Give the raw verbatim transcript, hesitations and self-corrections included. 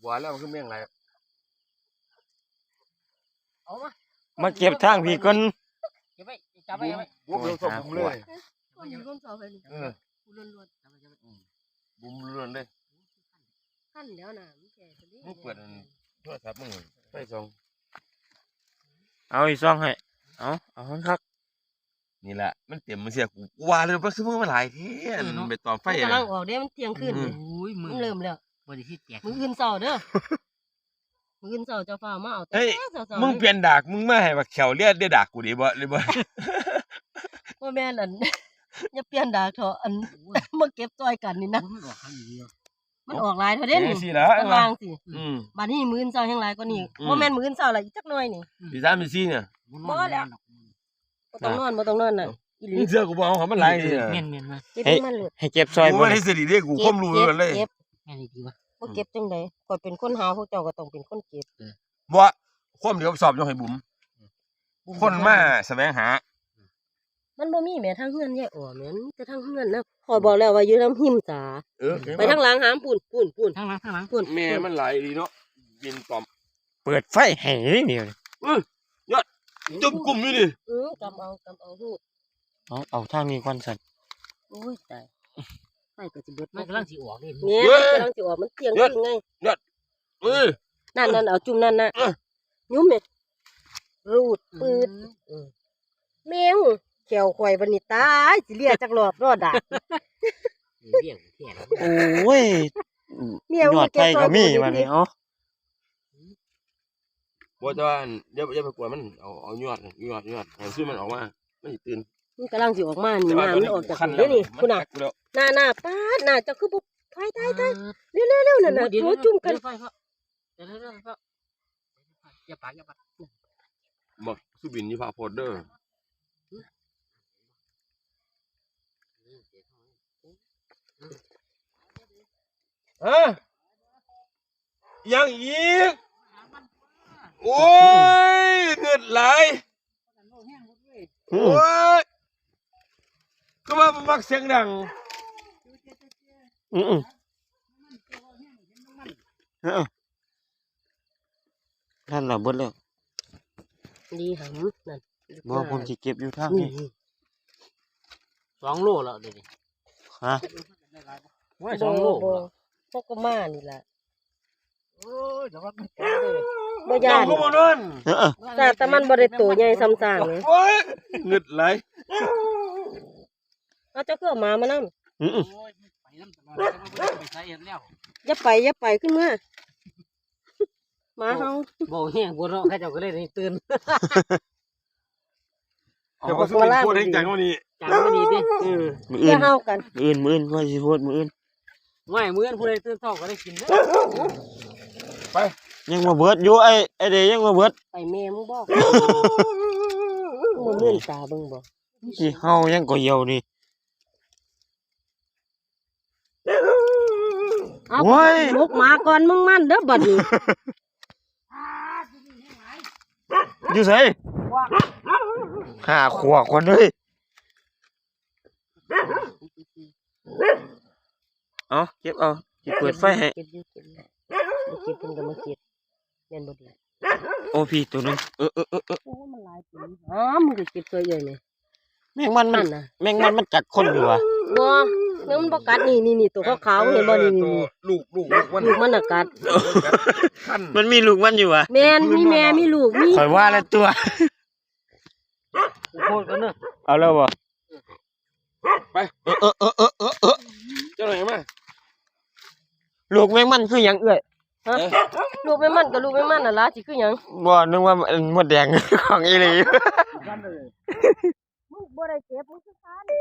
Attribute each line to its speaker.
Speaker 1: บัวแล้วมันคือเมี่ยงอะไร
Speaker 2: เอามา
Speaker 3: มาเก็บทางพี่ก่อน
Speaker 2: เก็บไว้จับไว้ไว้
Speaker 1: บุ้มบุ้มสมบุ้มเลย
Speaker 4: คนมีคนสอบไปนี่
Speaker 1: เออ
Speaker 4: กูล้วน
Speaker 1: บุ้มล้วนเลย
Speaker 4: ๆขั้นแล้วน่ะมันแก่ตัวนี้
Speaker 1: มึงเปิดโทรศัพท์มึงไปส่ง
Speaker 3: เอาอีกซองให้เอาเอาคันคัก
Speaker 1: นี่แหละมันเต็มมันเสียกูว่าเลยว่าซื้อมึงมาหลายเท่ไปต่อไฟ
Speaker 4: มันกำลังออกเด้มันเที่ยงคืนเลย
Speaker 2: โอ้ยมื
Speaker 4: มั
Speaker 2: อน
Speaker 4: เริ่มแล้ว
Speaker 2: บริที่แตก
Speaker 4: มืออื่นเช้าเด้อมืออื่นเช้าเจ้าฟ้ามาเอาแต่
Speaker 1: เฮ้ย
Speaker 4: เช้าๆ
Speaker 1: มึงเปลี่ยนดากมึงมาให้บักเขียวเลียดได้ดากกูดิบ่เลยบ่
Speaker 4: ว่าแม่นอัน อย่าเปลี่ยนดากเถอะอันมาเก็บซอยกันนี่นะ
Speaker 2: มันออกข้างเดียว
Speaker 4: มันออกหลายเท่าเด้นี่
Speaker 1: สิแล้ว
Speaker 4: ข้างล่างสิ
Speaker 1: อืม
Speaker 4: บัดนี้มื้ออื่นเช้าแห่งหลายกว่านี้
Speaker 1: อืม
Speaker 4: บ่แม่นมื้ออื่นเช้าละอีกจักหน่อยนี่
Speaker 1: พี่สามพี่สี่เนี่ย
Speaker 4: บ่แล้วบ่ต้องนอนบ่ต้องนอนน่ะอีหลี
Speaker 1: มึงเสือกูบ่เอาของมันหลายนี่
Speaker 2: เมียนเมียนมา
Speaker 4: เก็บให้มันหลุด
Speaker 3: ให้เก็บซอย
Speaker 1: กู
Speaker 3: บ่
Speaker 1: ว่า
Speaker 3: ได้
Speaker 1: ให้สิริเด้กูความรู้กันเลย
Speaker 4: เก็บ
Speaker 2: เมียนดีวะ
Speaker 4: บ่เก็บจังได๋ข่อยเป็นคนหาพวกเจ้าก็ต้องเป็นคนเก็บ
Speaker 1: บ่ความเดี๋ยวสอบยกให้บุ๋มคนมาแสวงหา
Speaker 4: มันบ่มีแหม่ทางเฮือนยายอ๋อแม่นมีแต่ทางเฮือนนะข่อยบอกแล้วว่าอยู่ทางหิมจ๋า
Speaker 1: เออ
Speaker 4: ไปทางหลังหามปุ่นปุ่นปุ่น
Speaker 2: ข้างหลังข้างหลัง
Speaker 4: ปุ่น
Speaker 1: แม่มันหลายดีเนาะกินตอม
Speaker 3: เปิดไฟให้นี่นี่
Speaker 1: เออยอดจุ่มกลุ่มอยู่ดิ
Speaker 4: เออกำเอากำเอาฮูด
Speaker 3: เอาเอาทางนี้ก่อนสั่น
Speaker 4: โอ้ยตายไฟก็สิเบิด
Speaker 2: มันกำลังสิออกนี่
Speaker 4: แม่มันกำลังสิออกมันเที่ยงคืนไง
Speaker 1: เอ้ย
Speaker 4: นั่นนั่นเอาจุ่มนั่นน่ะยุ้มแม่รูดปืดแมวแขวข่อยบัดนี้ตายสิเลียจักรอบรอดดาก
Speaker 2: เบี้ยแค่
Speaker 3: โอ้ย
Speaker 4: เมียว
Speaker 3: ยอดไฟก็มีมานี่เอา
Speaker 1: บ่จะว่าเดี๋ยวอย่าไปกวนมันเอาเอายอดยอดยอดให้ซื้อมันออกมามันสิตื่น
Speaker 4: มันกำลังสิออกมานี่น้ำมันออกจากนี่เด้อนี่คุณน่ะหน้าหน้าป๊าดหน้าเจ้าคือบ่ไฟตายตายเร็วๆๆนั่นน่ะโถจุ่มกัน
Speaker 2: ไฟเขาเดี๋ยวเดี๋ยวเดี๋ยวอย่าปากอย่าปาก
Speaker 1: บอกสุบินยี่พาโพดเด้อฮะยังอีกโอ้ยเงินไหลายโอ้ยก็มามักเสียงดัง
Speaker 3: อือเออท่านน่ะเบิดแล้ว
Speaker 4: ดีหำนั่น
Speaker 3: บ่ผมสิเก็บอยู่ทาง
Speaker 4: นี่
Speaker 3: นี้
Speaker 2: สองโลแล้วเดี๋ยวนี้
Speaker 3: ฮะ
Speaker 2: ว่าสองโล
Speaker 4: บ่พวกก็มานี่ล่ะ
Speaker 2: โอ้ยเดี๋ยวมันแก่เลย
Speaker 4: บ่ย่าน
Speaker 1: เจ้าก็บ่นอน
Speaker 3: เออ
Speaker 4: แต่แต่มันบ่ได้โตใหญ่ซ้ำซากเลย
Speaker 1: โอ้ยเงินไหลาย
Speaker 4: เอาเจ้าคือเอาหมามานํ
Speaker 3: อือ
Speaker 2: โอ้ยไปน้ำตลอดไปใช้เอ็นแล้ว
Speaker 4: อย่าไปอย่าไปขึ้นมาหมาเฮา
Speaker 2: บ่แห้งบ่เนาะใครเจ้าก็เลยตื่น
Speaker 1: เดี๋ยวก็สุบินพูดให้จังวันนี้
Speaker 2: จังบ่ดีติ
Speaker 4: อืม
Speaker 3: มื้อ
Speaker 4: อย่า
Speaker 3: อื่น
Speaker 4: เฮากัน
Speaker 3: มื้ออื่นมื้ออื่นว่าสิโพดมื้ออื่น
Speaker 2: ง่ายมื้อผู้ใดตื่นเช้าก็ได้กินเด้อ
Speaker 3: ยังมาเบิดอยู่ไอ้ไอ้เดยังมาเบิด
Speaker 4: ไปแม่มึงบอกมึงเลื่อนตาเบิ่งบ่
Speaker 3: สิเฮายังก็เหี่ยวนี่
Speaker 4: เอา
Speaker 3: โอ้ย
Speaker 4: ลูกหมาก่อนมึงมันเด้อบัดนี้
Speaker 3: อยู่ไสหาขวบคนเลยเอาเก็บเอาสิเปิดไฟให้
Speaker 4: เก็บอยู่เก็บอยู่บ่เก็บเพิ่นก็มาเก็บแม่นบ่ดี
Speaker 3: โอ้พี่ตัวนึงเออเออเออเออ
Speaker 4: โอ้มันหลายปีอ๋อมึงก็เก็บซอยใหญ่นี่
Speaker 3: แมงมันมั
Speaker 4: นั่
Speaker 3: น
Speaker 4: นน่ะ
Speaker 3: แมงมันมันกัดคนอยู่วะ
Speaker 4: บ่แม่งมันบ่กัดนี่นี่นี่ตัวขาวๆเห็นบ่นี่นี่นี่
Speaker 1: ลูกลูกลูกมัน
Speaker 4: ลูกมันน่ะกัด
Speaker 1: ขั้น
Speaker 3: มันมีลูกมันอยู่วะ
Speaker 4: แม่นมีแม่มีลูกมี
Speaker 3: ข่อยว่าแล้วตัว
Speaker 2: โคตรกันเนอะ
Speaker 3: เอาแล้วบ่
Speaker 1: ไป
Speaker 3: เออเออเออเออเออเออ
Speaker 1: เจ้าหน่อยมา
Speaker 3: ลูกแมงมันคือหยังเอ้ย
Speaker 4: ฮะลูกแม่มันกับลูกแม่มันน่ะล่ะสิคือหยัง
Speaker 3: บ่นึกว่ามันมดแดง ของอีหลี
Speaker 4: มึงบ่ได้เก็บมึงคือคาน